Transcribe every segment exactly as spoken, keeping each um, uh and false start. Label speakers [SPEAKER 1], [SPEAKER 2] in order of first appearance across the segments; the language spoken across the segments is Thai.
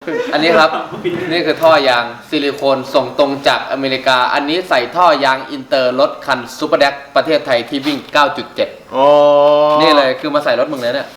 [SPEAKER 1] อันนี้ครับนี่คือท่อยางซิลิโคนส่งตรงจากอเมริกาอันนี้ใส่ท่อยางอินเตอร์รถคันซูเปอร์แดกประเทศไทยที่วิ่ง เก้าจุดเจ็ด
[SPEAKER 2] โอ้
[SPEAKER 1] นี่เลยคือมาใส่รถมึงเลยเนี่ย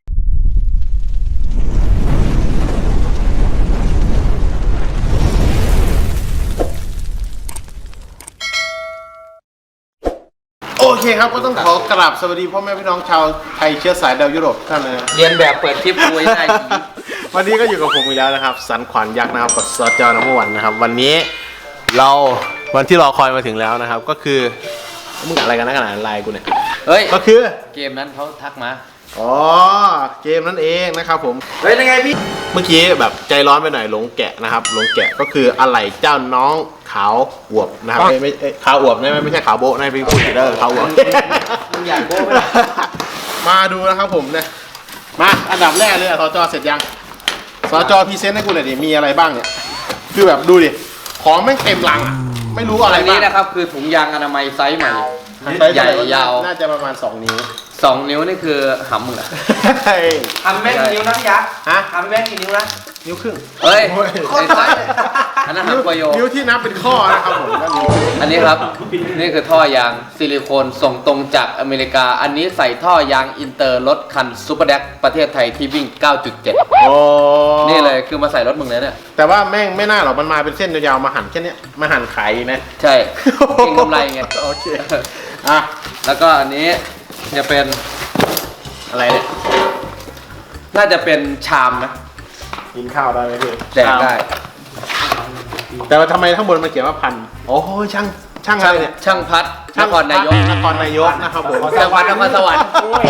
[SPEAKER 2] โอเคครับก็ต้องขอกราบสวัสดีพ่อแม่พี่น้องชาวไทยเชื้อสายดาวยุโรปท่านเลยนะ
[SPEAKER 1] เรียนแบบเปิดคลิปคุยได้
[SPEAKER 2] วันนี้ก็อยู่กับผมอีกแล้วนะครับสันขวัญยักษ์นะครับกับซอจอน้ำมันนะครับวันนี้เราวันที่รอคอยมาถึงแล้วนะครับก็คือมึงอะไรกันนะขนาดไลน์กูเนี่ย
[SPEAKER 1] เฮ้ย
[SPEAKER 2] ก็คือ
[SPEAKER 1] เกมนั้นเขาทักมา
[SPEAKER 2] อ๋อเกมนั่นเองนะครับผม
[SPEAKER 1] เฮ้ยยังไงพี่
[SPEAKER 2] เมื่อกี้แบบใจร้อนไปหน่อยหลงแกะนะครับหลงแกะก็คืออะไรเจ้าน้องขาวอวบนะครับไม่ไม่ขาวอวบนะไม่ใช่ขาวโบนะพี่พูดผิดเด้อขาวอวบ
[SPEAKER 1] มึงอยากโบ้ไหม
[SPEAKER 2] มาดูนะครับผมเนี่ยมาอันดับแรกเลยสจเสร็จยังสจพรีเซนต์ให้กูหน่อยดิมีอะไรบ้างเนี่ยคือแบบดูดิของแม่งเต็มลังอ่ะไม่รู้อะไรบ้าง
[SPEAKER 1] อันนี้นะครับคือถุงยางอนามัยไซส์ใหม่ใหญ่ยาว
[SPEAKER 2] น่าจะประมาณสองนิ้ว
[SPEAKER 1] สองนิ้วนี่คือหำมึงอะ
[SPEAKER 3] ทำแม่งกี่นิ้วนะพี่ยักษ์ฮะทำแม่งกี่นิ้วนะ
[SPEAKER 2] นิ้วครึ่ง
[SPEAKER 1] เฮ้ยไอ้สัสอันนั้นหำกว่าโย
[SPEAKER 2] นิ้วที่นับเป็นข้อนะครับผม
[SPEAKER 1] อันนี้ครับนี่คือท่อยางซิลิโคนส่งตรงจากอเมริกาอันนี้ใส่ท่อยางอินเตอร์รถคันซูเปอร์แดกประเทศไทยที่วิ่ง เก้าจุดเจ็ด
[SPEAKER 2] โอ้
[SPEAKER 1] นี่เลยคือมาใส่รถมึงเลยเนี่ย
[SPEAKER 2] แต่ว่าแม่งไม่น่าหรอกมันมาเป็นเส้นยาวๆมาหั่นแค่นี้มาหั่นขายนะ
[SPEAKER 1] ใช่เก่งกำไรไง
[SPEAKER 2] โอเคอ่ะ
[SPEAKER 1] แล้วก็อันนี้จะเป็น
[SPEAKER 2] อะไรเนี่ย
[SPEAKER 1] น่าจะเป็นชามนะ
[SPEAKER 2] กินข้าวได้ไหมพี่
[SPEAKER 1] แดกได้
[SPEAKER 2] แต่ว่าทำไมข้างบนมันเขียนว่าพันโอ้โหช่างช่างอะไรเนี่ย
[SPEAKER 1] ช่างพัดนครนายก
[SPEAKER 2] นครนายกนะครับผม
[SPEAKER 1] ช่างพัดนครสวรรค์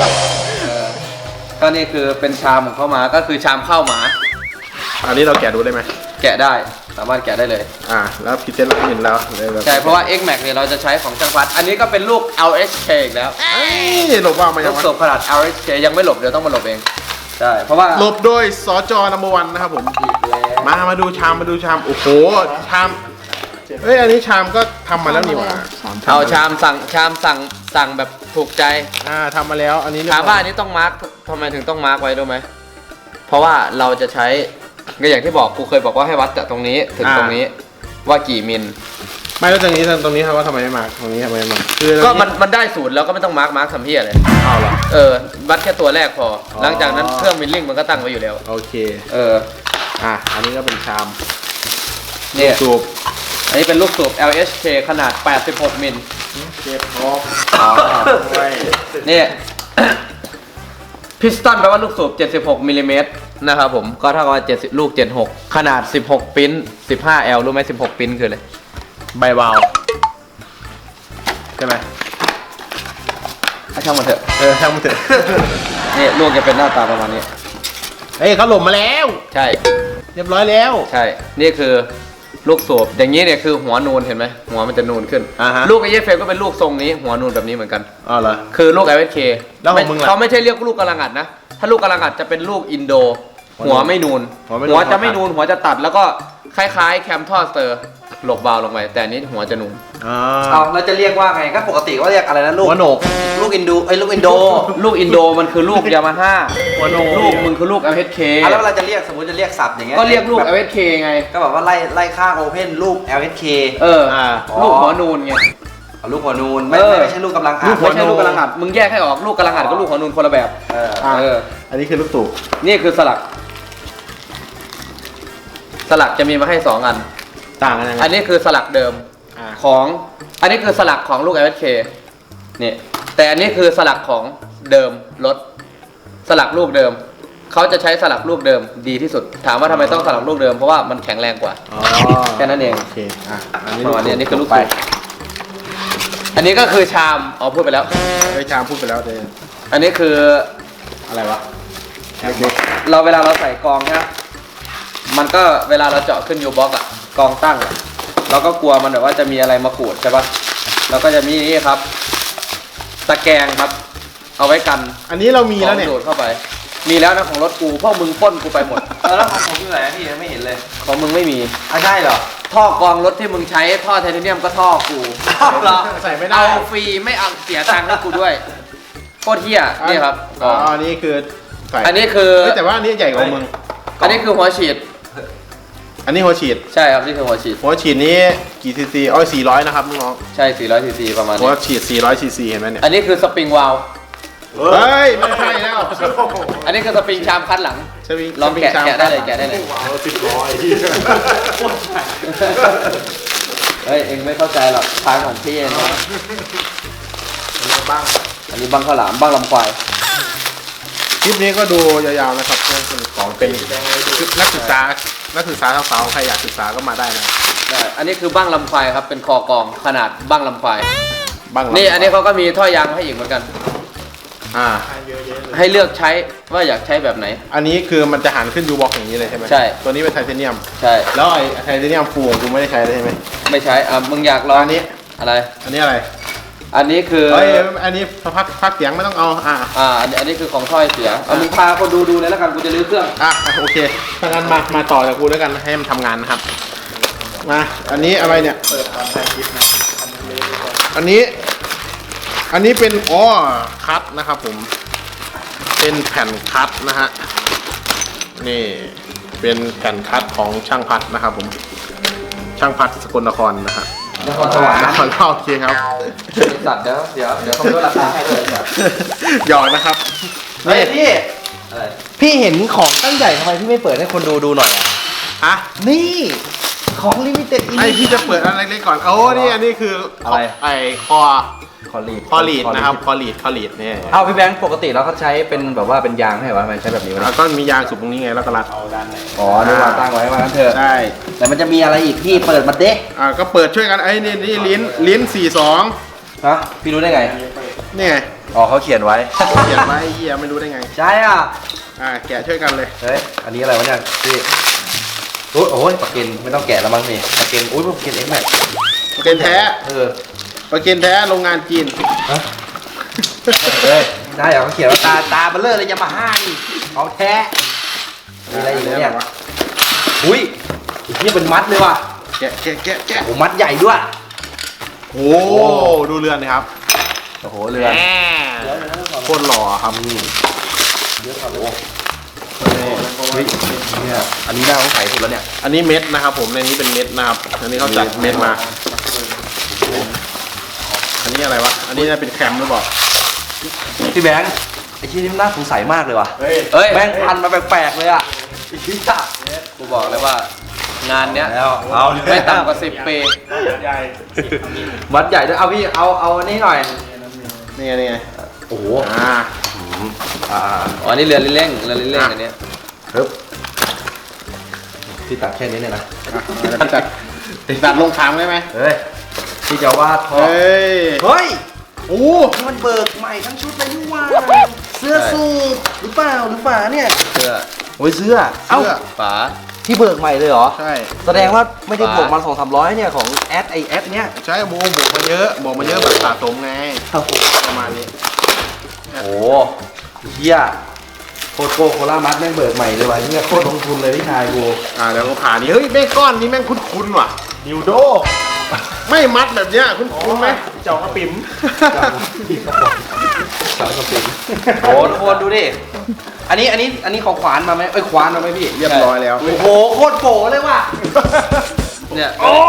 [SPEAKER 1] ก็นี่คือเป็นชามของเข้ามาก็คือชามข้าวหมา
[SPEAKER 2] อันนี้เราแกะดูได้ไหม
[SPEAKER 1] แกะได้สามารถแกะได้เลย
[SPEAKER 2] อ่าแล้วพิเศษเราเห็นแล้ว
[SPEAKER 1] ใช่เพราะว่า X Max เนี่ยเราจะใช้ของช่างพัดอันนี้ก็เป็นลูก แอล เอช เค อีกแล้ว
[SPEAKER 2] หลบว่ามันยัง
[SPEAKER 1] ลูกสูบขนาด แอล เอช เค ยังไม่หลบเดี๋ยวต้องมาหลบเองใช่เพราะว่า
[SPEAKER 2] หลบโดยสจนัมเบอร์วันนะครับผมมามาดูชามมาดูชามโอ้โหชามเฮ้ยอันนี้ชามก็ทำมาแล้วนี่หว่า
[SPEAKER 1] เอาชามสั่งชามสั่งสั่งแบบถูกใจ
[SPEAKER 2] อ่าทำมาแล้วอันนี้
[SPEAKER 1] ถามว่าอันนี้ต้องมาร์คทำไมถึงต้องมาร์คไว้รู้ไหมเพราะว่าเราจะใช้ก็อย่างที่บอกกูเคยบอกว่าให้วัดจากตรงนี้ถึงตรงนี้ว่ากี่มิล
[SPEAKER 2] ไม่แล้วตรงนี้ตรงนี้ครับว่าทำไมไม่มาตรงนี้ทำไมไม่มา
[SPEAKER 1] คือก็มันมันได้ศูนย์แล้วก็ไม่ต้องมาร์กมาร์กทำเพี้ยเลย
[SPEAKER 2] เอาเหรอ
[SPEAKER 1] เออวัดแค่ตัวแรกพอหลังจากนั้นเครื่องมิลลิ่งมันก็ตั้งไว้อยู่แล้ว
[SPEAKER 2] โอเค
[SPEAKER 1] เออ
[SPEAKER 2] อ่ะอันนี้ก็เป็นชาม
[SPEAKER 1] เนี่ยสูบอันนี้เป็นลูกสูบ แอล เอช เค ขนาดแปดสิบหกมิล
[SPEAKER 2] เจ็บคอ
[SPEAKER 1] เนี่ยพิสตันแปลว่าลูกสูบเจ็ดสิบหกมิลลิเมตรนะครับผมก็เท่ากับว่าเจ็ดสิบลูกเจ็ดสิบหกขนาดสิบหกปิ้น สิบห้าแอล รู้ไหมสิบหกปิ้นคืออะไร
[SPEAKER 2] ใบวาวใช่ไหม
[SPEAKER 1] ช่างมันเถอะ
[SPEAKER 2] เออช่างมันเถอะ
[SPEAKER 1] นี่ลูกจะเป็นหน้าตาประมาณนี้
[SPEAKER 2] เฮ้ยเขาหล่มมาแล้ว
[SPEAKER 1] ใช่
[SPEAKER 2] เรียบร้อยแล้ว
[SPEAKER 1] ใช่นี่คือลูกสูบอย่างนี้เนี่ยคือหัวนูนเห็นไหมหัวมันจะนูนขึ้น
[SPEAKER 2] uh-huh.
[SPEAKER 1] ลูกไอเยฟเฟลก็เป็นลูกทรงนี้หัวนูนแบบนี้เหมือนกัน
[SPEAKER 2] อ๋อเหรอ
[SPEAKER 1] คือลูก แอล เอช เค
[SPEAKER 2] แล้วของมึงล่ะ
[SPEAKER 1] เขาไม่ใช่เรียกลูกกำลังอัดนะถ้าลูกกำลังอัดจะเป็นลูกอินโดหัวไม่นูนหัวจะไม่นูนหัวจะตัดแล้วก็คล้ายๆแคมทอสเตอร์หลบวาล์วลงไปแต่อันนี้หัวจะนูน
[SPEAKER 3] เอาเราจะเรียกว่าไงก็ปกติก็เรียกอะไรนะลูก
[SPEAKER 2] หัวโหนก
[SPEAKER 3] ลูกอินโดไอ้ลูกอินโด
[SPEAKER 1] ลูกอินโดมันคือลูกยามาฮ่า
[SPEAKER 2] หัวโหนก
[SPEAKER 1] ลูกมึงคือลูก แอล เอช เค
[SPEAKER 3] แล้วเราจะเรียกสมมติจะเรียกศัพท์อย่างเงี้ย
[SPEAKER 1] ก็เรียกลูก แอล เอช เค ไง
[SPEAKER 3] ก็แบบว่าไล่ไล่ข้างโอเพนลูก แอล เอช เค
[SPEAKER 1] เออลูกหัวนูนไง
[SPEAKER 3] ลูกหัวนูนไม่ไม่ใช่ลูกกำลังอัด
[SPEAKER 1] ไม่ใช่ลูกกำลังอัดมึงแยกให้ออกลูกกำลังอัดกับลูกหัวนูนคนละแบบ
[SPEAKER 2] เอออันนี้คือลูกตู่
[SPEAKER 1] นี่คือสลักสลักจะมีมาให้สองอัน
[SPEAKER 2] ต่างกันยังไง
[SPEAKER 1] อันนี้คือสลักเดิมของอันนี้คือสลักของลูก แอล เอช เค นี่แต่อันนี้คือสลักของเดิมรถสลักลูกเดิมเขาจะใช้สลักลูกเดิมดีที่สุดถามว่าทำไมต้องสลักลูกเดิมเพราะว่ามันแข็งแรงกว่าแค่นั้นเอง
[SPEAKER 2] โอเคอ่ะ
[SPEAKER 1] อันนี้อันนี้คือลูกไปอันนี้ก็คือชามอ๋อพูดไปแล้ว
[SPEAKER 2] ไอ้ชามพูดไปแล้วเดน
[SPEAKER 1] อันนี้คือ
[SPEAKER 2] อะไรวะ
[SPEAKER 1] เราเวลาเราใส่กองนะมันก็เวลาเราเจาะขึ้นยูบ็อกอะกองตั้งอะเราก็กลัวมันแบบว่าจะมีอะไรมาขูดใช่ปะเราก็จะมีนี่ครับตะแกรงครับเอาไว้กัน
[SPEAKER 2] อันนี้เรามีแล้วเนี่ย
[SPEAKER 1] ดูดเข้าไปมีแล้วนะของรถกูพวกมึงป้นกูไปหมด
[SPEAKER 3] แล้วของผมอยู่ไหนพี่ไม่เห็นเลย
[SPEAKER 1] ของมึงไม่มี
[SPEAKER 3] อ่ะใช่เหรอ
[SPEAKER 1] ท่อกองรถที่มึงใช้ท่อไทเทเนียมก็ท่อกู
[SPEAKER 3] เหรอ
[SPEAKER 2] ใส่ไม่ได้
[SPEAKER 1] เอาฟรีไม่เอาเสียตังค์ให้กูด้วยโคตรเหี้ยนี่ครับ
[SPEAKER 2] อ๋ออันนี้คือ
[SPEAKER 1] อันนี้คือ
[SPEAKER 2] แต่ว่าอันนี้ใหญ่กว่ามึง
[SPEAKER 1] อันนี้คือหัวฉีด
[SPEAKER 2] อันนี้หัวฉีด
[SPEAKER 1] ใช่ครับนี่คือหัวฉีด
[SPEAKER 2] หัวฉีดนี้กี่ซีซีอ๋อสี่ร้อยนะครับน้อง
[SPEAKER 1] ใช่สี่ร้อยซีซีประมาณ
[SPEAKER 2] หัว
[SPEAKER 1] นี้
[SPEAKER 2] ฉีดสี่ร้อยซีซีเห็นไหมเนี่ย
[SPEAKER 1] อันนี้คือสปริงวาล์ว
[SPEAKER 2] เฮ้ยไม่ใช่แล้ว
[SPEAKER 1] อันนี้คือสปริงชามคัดหลัง
[SPEAKER 2] สวิง
[SPEAKER 1] ลองแกะ
[SPEAKER 2] สวิชาม
[SPEAKER 1] แกะได้เลยแกะได้เลย
[SPEAKER 2] สิบร้อย
[SPEAKER 1] เฮ้ยเองไม่เข้าใจหรอกทางของพี่นะบ้างอันนี้บ้างข้าวหลามบ้างลำควาย
[SPEAKER 2] คลิปนี้ก็ดูยาวๆนะครับเรื่องของเป็นนักศึกษานักศึกษาสาวๆใครอยากศึกษาก็มาได้นะ
[SPEAKER 1] ได้อันนี้คือบ้างลำควายครับเป็นคอกองขนาดบ้างลำควาย
[SPEAKER 2] บ้าง
[SPEAKER 1] นี่อันนี้เขาก็มีท่อยางให้อีกเหมือนกัน
[SPEAKER 2] อ่า
[SPEAKER 1] ให้เลือกใช้ว่าอยากใช้แบบไหน
[SPEAKER 2] อันนี้คือมันจะหันขึ้นยูบ็อกอย่างนี้เลยใช่ไหม
[SPEAKER 1] ใช่
[SPEAKER 2] ตัวนี้เป็นไทเทเนียม
[SPEAKER 1] ใช่
[SPEAKER 2] แล้วไอ้ไทเทเนียมฟูของกูไม่ได้ใช้เลยใช่ไหม
[SPEAKER 1] ไม่ใช้อ่ะมึงอยากลอง
[SPEAKER 2] อันนี้
[SPEAKER 1] อะไร
[SPEAKER 2] อันนี้อะไร
[SPEAKER 1] อันนี้คือ
[SPEAKER 2] เฮ้ยอันนี้พักพักเสียงไม่ต้องเอาอ่า
[SPEAKER 1] อ่าอันนี้อันนี้คือของถ้อยเสียเอามึงพาคนดูดูเลยแล้วกันกูจะรื้อเครื่อง
[SPEAKER 2] อ่ะโอเคถ้างั้นมามาต่อจากกูแล้วกันให้มันทำงานนะครับมาอันนี้อะไรเนี่ยเปิดตอนถ่ายคลิปนะอันนี้อันนี้เป็นอ๋อคัตนะครับผมเป็นแผ่นคัตนะฮะนี่เป็นแผ่นคัตของช่างพัดนะครับผมช่างพัดสกลนครนะฮะ
[SPEAKER 1] นครสวรรค์
[SPEAKER 2] นครเล่าโอเคครับ
[SPEAKER 1] สัตว์เดี๋ยวเดี๋ยวเดี๋ยวเขาไม่ลดราคาให้เลยเดี๋ยว
[SPEAKER 2] หยอกนะครับ
[SPEAKER 3] เฮ้ยพี่
[SPEAKER 1] อะไร
[SPEAKER 3] พี่เห็นของตั้งใหญ่ทำไมพี่ไม่เปิดให้คนดูดูหน่อยอ่ะ
[SPEAKER 2] ฮะ
[SPEAKER 3] นี่ของลิมิเต็ดอี
[SPEAKER 2] ไอพี่จะเปิดอะไรเล็กๆก่อนโอ้นี่อันนี้คือ
[SPEAKER 3] อะไร
[SPEAKER 2] ไอคอ
[SPEAKER 3] คอลีด
[SPEAKER 2] คอลีดนะครับคอลีดคอลีดเนี่ย
[SPEAKER 3] เอาพี่แบงค์ปกติแล้วเขาใช้เป็นแบบว่าเป็นยางให้เหรอมันใช้แบบนี้ไหม
[SPEAKER 2] แล้วก็มียางสุดตรงนี้ไงแล้วก็รัด
[SPEAKER 3] อ๋อนี่วางตั้งไว้ว่างั้นเถอะ
[SPEAKER 2] ได้
[SPEAKER 3] แต่มันจะมีอะไรอีกพี่เปิดมาเด้
[SPEAKER 2] อ่าก็เปิดช่วยกันไอ้นี่นี่ลิ้นลิ้นสี่สอง
[SPEAKER 3] ฮะพี่รู้ได้ไง
[SPEAKER 2] นี่ไง
[SPEAKER 3] อ๋อเขาเขียนไว้
[SPEAKER 2] เขียนไว้ไอ้เหี้ยไม่รู้ได้ไง
[SPEAKER 3] ใช่อ่ะ
[SPEAKER 2] อ่าแกะช่วยกันเลย
[SPEAKER 3] เฮ้ยอันนี้อะไรวะเนี่ยพี่โอ้ยโอ้ยปากเกนไม่ต้องแกะแล้วมั้งนี่ปากเกนอุ้ยปากเกนเอ็กแม็ก
[SPEAKER 2] ประเกนแท้
[SPEAKER 3] เออ
[SPEAKER 2] ประเกนแท้โรงงานจีน
[SPEAKER 3] ฮะเฮ้ยได้เหรอเขาเขียนว่าตาตาเบลเลอร์เลยยามาฮ่านี่ของแท้มีอะไรอีกเนี่ยอุ้ยนี่เป็นมัดเลยว่ะ
[SPEAKER 2] แกะแกะแกะแกะ
[SPEAKER 3] โอ้มัดใหญ่ด้วย
[SPEAKER 2] โอ้ดูเรือนนะครับ
[SPEAKER 3] โอ้โหเรือ
[SPEAKER 2] แหมโคตรหล่อครับนี่
[SPEAKER 3] เฮ้ยเนี่ยอันนี้น่าสงสัยสุดแล้วเนี่ย
[SPEAKER 2] อันนี้เม็ดนะครับผมในนี้เป็นเม็ดนะครับอันนี้เขาจัดเม็ดมาอันนี้อะไรวะอันนี้น่าเป็นแคมหรือเปล่า
[SPEAKER 3] พี่แบงค์ไอ้ที่นี่มันน่าสงสัยมากเลยว่ะ
[SPEAKER 2] เฮ้ย
[SPEAKER 1] เฮ้ย
[SPEAKER 3] แม่งพันมาแปลกๆเลยอ่ะไอ้ที่จ้า
[SPEAKER 1] กูบอกเลยว่า งานเนี้ย
[SPEAKER 3] แล้วเอา
[SPEAKER 1] ไม่ต่ำกว่าสิบปี
[SPEAKER 3] มัดใหญ่ด้วยเอาพี่เอาเอาอันนี้หน่อย
[SPEAKER 2] นี่ไงนี่ไง
[SPEAKER 3] โอ้โห
[SPEAKER 2] อ่า
[SPEAKER 3] อ่า
[SPEAKER 1] อ๋อนี่เรือเร่งเรือเร่งอันเนี้ย
[SPEAKER 3] ครับพี่ตัดแค่นี้เนี่ยนะ
[SPEAKER 2] อ่ะเอาจัดจัดลงขามได้ไหม
[SPEAKER 3] เฮ้ยพี่จะวาดท่อ
[SPEAKER 2] เฮ้ย
[SPEAKER 3] เฮ้ย
[SPEAKER 2] โอ้
[SPEAKER 3] นี่มันเบิกใหม่ทั้งชุดเลยนี่หว่าเสื้อสูทหรือเปล่าหรือฝาเนี่ย
[SPEAKER 1] เสื้อ
[SPEAKER 3] โอ้ยเสื้อเอ้า
[SPEAKER 2] เสื้อ
[SPEAKER 1] ฝา
[SPEAKER 3] ที่เบิกใหม่เลยเหรอ
[SPEAKER 2] ใช่
[SPEAKER 3] แสดงว่าไม่ได้
[SPEAKER 1] ฝา
[SPEAKER 3] บวกมาสองสามร้อยเนี่ยของแอดไอแอดเนี่ย
[SPEAKER 2] ใช่โมบวกมาเยอะบวกมาเยอะแบบสะสมไงประมาณนี้
[SPEAKER 3] โอ้โหเฮียโคตรโกโคล่ามัดแม่งเบิกใหม่เลยว่ะเฮียโคตรลงทุนเลยพี่ชายกู
[SPEAKER 2] อ่าเดี๋ยวก็ผ่านนี่เฮ้ยแม่งก้อนนี้แม่งคุ้นๆว่ะนิวโดไม่มัดแบบเนี้ยคุ้นๆไหมเจ้ากระปิ๋ม
[SPEAKER 3] สาวสปินโอ้ทุกคนดูดิ อันนี้อันนี้อันนี้ของขวานมาไหมเอ้ยขวานมาไหมพี่
[SPEAKER 2] เรียบร้อยแล้ว
[SPEAKER 3] โอ้โหโคตรโปเลยว่ะ
[SPEAKER 1] เนี่ย
[SPEAKER 3] โอ้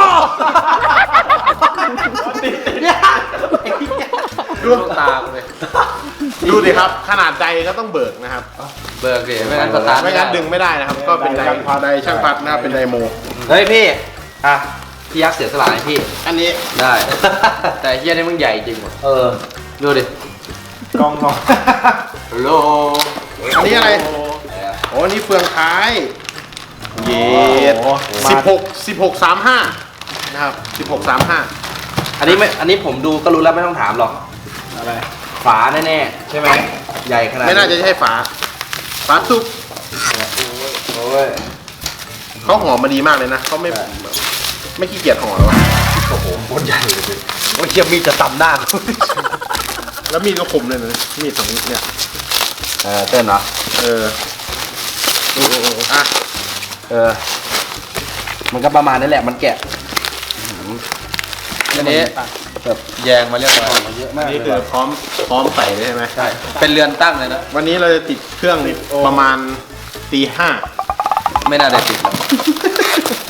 [SPEAKER 3] เนี่ย
[SPEAKER 2] ดู
[SPEAKER 1] ลูกตากูเลย
[SPEAKER 2] ดูดิครับ ขนาดใดก็ต้องเบิกนะครับ
[SPEAKER 1] เบิกดิไม่งั้นสตาร์ท
[SPEAKER 2] ไม่งั้นดึงไม่ได้นะครับ ก็เป็นไดไดช่างพัดนะครับเป็นไดโม
[SPEAKER 3] เฮ้ยพี่ อ่ะ พี่ยักษ์เสียสละให้พี่
[SPEAKER 2] อันนี้
[SPEAKER 1] ได้ แต่เฮียนี่มึงใหญ่จริงว่ะ
[SPEAKER 3] เออ
[SPEAKER 1] ดูดิ
[SPEAKER 3] กองกอง
[SPEAKER 1] ฮัลโหล
[SPEAKER 2] อันนี้อะไรโอ้อันนี้เฟืองท้ายเย็ดสิบหกสิบหกสามห้านะครับสิบหกสามห้า
[SPEAKER 3] อันนี้ไม่ อันนี้ผมดูก็รู้แล้วไม่ต้องถามหรอก
[SPEAKER 2] อะไร
[SPEAKER 3] ฝาแน่ๆ ใช่ไหม ใหญ่ขนาด
[SPEAKER 2] ไม่น่าจะใช่ฝาฝาซุป
[SPEAKER 3] โอ้ย
[SPEAKER 2] เขาห่อมาดีมากเลยนะเขาไม่ไม่ขี้เกียจห่อหรอ
[SPEAKER 3] โอ้โหโคตรใหญ่เลยโอ้ยเฮียมีดจะตำหน้ากู
[SPEAKER 2] แล้วมีดก็คมเลยนะมีดสองเนี่ย
[SPEAKER 3] เออเต้นเหรอ
[SPEAKER 2] เออโอ้โหอ่ะ
[SPEAKER 3] เออ มันก็ประมาณนี้แหละ มันแกะ
[SPEAKER 1] อันนี้แบบแยงมาเรียบร้อย
[SPEAKER 3] เยอะมาก
[SPEAKER 2] นี่คือพร้อมพร้อมใส่เลยใช่ไหม
[SPEAKER 1] ใช่ เป็นเรือนตั้งเลยนะ
[SPEAKER 2] วันนี้เราจะติดเครื่องประมาณตีห้า
[SPEAKER 1] ไม่น่าได้ติดหรอก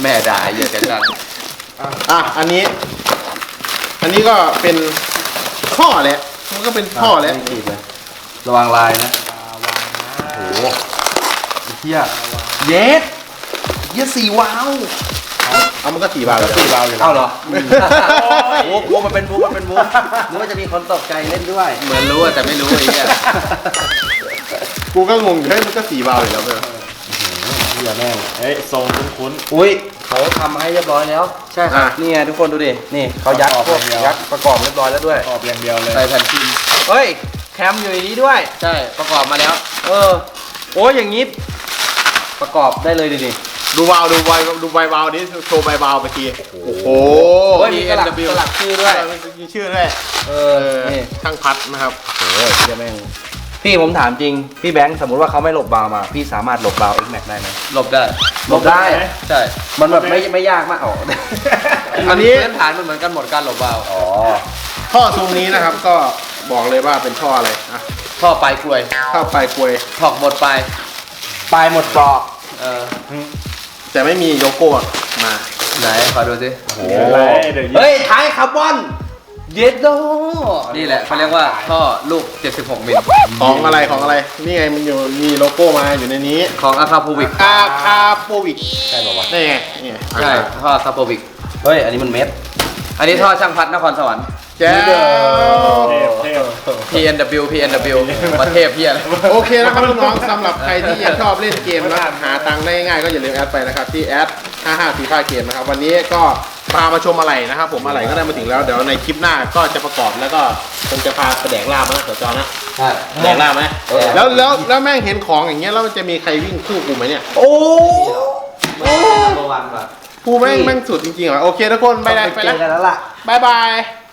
[SPEAKER 1] ม่ด่าไอ้เหี้ยกันดัง
[SPEAKER 2] อ่ะอันนี้ อันนี้ก็เป็นท่อแหละมันก็เป็นท่อแหละ
[SPEAKER 3] ไม่ขีดเลยระวังลายนะโอ้โหไอ้เหี้ยเย็ดเหี้ยสี่วาล์ว
[SPEAKER 2] เอามันก็สี่บาทแล้ว
[SPEAKER 3] สี่วาล์วอยู่แล้วเอ้าเหรอโอ้โหมันเป็นมุกมันเป็นมุกนึกว่าจะมีคนตกใจเล่นด้วย
[SPEAKER 1] เหมือนรู้อะแต่ไม่รู้ไอ้เหี้ย
[SPEAKER 2] กูก็งงอยู่เฮ้ยมันก็สี่บาทอยู่แล้วเพื่อน
[SPEAKER 3] เหี้ยแม่ง
[SPEAKER 4] เฮ้ยทรงคุ้น
[SPEAKER 3] อุ้ยเขาทำให้เรียบร้อยแล้ว
[SPEAKER 1] ใช่ครับ
[SPEAKER 3] นี่ไงทุกคนดูดิ นี่เขายัดพวกยัดประกอบเรียบร้อยแล้วด้วย
[SPEAKER 4] ๆขอบอย่างเดียวเลย
[SPEAKER 1] ใส่แผ่นฟิล์ม
[SPEAKER 3] เฮ้ย แคมอยู่ในนี้ด้วย
[SPEAKER 1] ใช่ประกอบมาแล้ว
[SPEAKER 3] เออ โอ้ยอย่างนี้ ประกอบได้เลยดิดิ
[SPEAKER 2] ดูวาล์วดูไวดูไววาล์วนี้โชว์ไววาล์วไปทีโอ้โห
[SPEAKER 3] โอ้ยมีสลักสลักชื่อด้วย
[SPEAKER 2] มีชื่อด้วย
[SPEAKER 3] เอ
[SPEAKER 2] เอ
[SPEAKER 3] อ
[SPEAKER 2] อ
[SPEAKER 3] นี่
[SPEAKER 2] ช่างพัดนะครับ
[SPEAKER 3] โอ้ยเหี้ยแม่ง พี่ผมถามจริง พี่แบงค์สมมติว่าเขาไม่หลบบาวมา พี่สามารถหลบบาว X Max ได้ไหม
[SPEAKER 1] หลบได้
[SPEAKER 3] หลบได้
[SPEAKER 1] ใช่
[SPEAKER 3] มันแบบไม่ไม่ยากมากอ๋อ
[SPEAKER 1] อันนี้พื้นฐานมันเหมือนกันหมดการหลบวาล์ว
[SPEAKER 3] อ๋อ
[SPEAKER 2] ท่อทรงนี้นะครับก็บอกเลยว่าเป็นท่ออะไรอ่ะ
[SPEAKER 1] ท่อปลายกลวย
[SPEAKER 2] ท่อปลายกลวย
[SPEAKER 1] ถอกหมดปลาย
[SPEAKER 3] ปลายหมดปลอก
[SPEAKER 1] เออ
[SPEAKER 2] แต่ไม่มีโลโก้มา
[SPEAKER 1] ไหนขอดูสิ
[SPEAKER 3] โอ้
[SPEAKER 4] เดี๋ยวอะไรเดี๋ยว
[SPEAKER 3] เฮ้ยท้ายคาร์บอน เย็ดโด
[SPEAKER 1] นี่แหละเขาเรียกว่าท่อลูกเจ็ดสิบหกมิล
[SPEAKER 2] ของอะไรของอะไรนี่ไงมันอยู่มีโลโก้มาอยู่ในนี้
[SPEAKER 1] ของอาคาโพวิก
[SPEAKER 2] อาคาโปวิก
[SPEAKER 3] ใช่ป่าวะ
[SPEAKER 2] นี่ไงนี่ไง
[SPEAKER 1] ใช่ท่ออาคาโพวิก
[SPEAKER 3] เฮ้ย อันนี้มันเม็ด
[SPEAKER 1] อันนี้ท่อช่างพัดนครสวรรค์
[SPEAKER 2] แจ๋ว
[SPEAKER 4] เทพเทพ
[SPEAKER 1] พี เอ็น ดับเบิลยู พี เอ็น ดับเบิลยู ประเทศเพี้ยอะไร
[SPEAKER 2] โอเคนะครับน้องๆสำหรับใครที่ยังชอบเล่นเกมแล้วหาตังค์ได้ง่ายก็อย่าลืมแอดไปนะครับที่แอดห้าห้าสี่ห้าเกมนะครับวันนี้ก็พามาชมอะไรนะครับผมอะไรก็ได้มาถึงแล้วเดี๋ยวในคลิปหน้าก็จะประกอบแล้วก็คงจะพาไปแดกลาบนะเดี๋ยวจอนะ
[SPEAKER 3] ใช่
[SPEAKER 2] แดกลาบไหมแล้วแล้วแล้วแม่งเห็นของอย่างเงี้ยแล้วมันจะมีใครวิ่งคู่กูไหมเนี่ย
[SPEAKER 3] โอ้โอ้วันว่ะ
[SPEAKER 2] กูแม่งแม่งสุดจริงๆเหรอโอเคทุกคนไปเลยไป
[SPEAKER 3] เจ
[SPEAKER 2] แล้ว
[SPEAKER 3] อกันแล้วล่ะ
[SPEAKER 2] บายบาย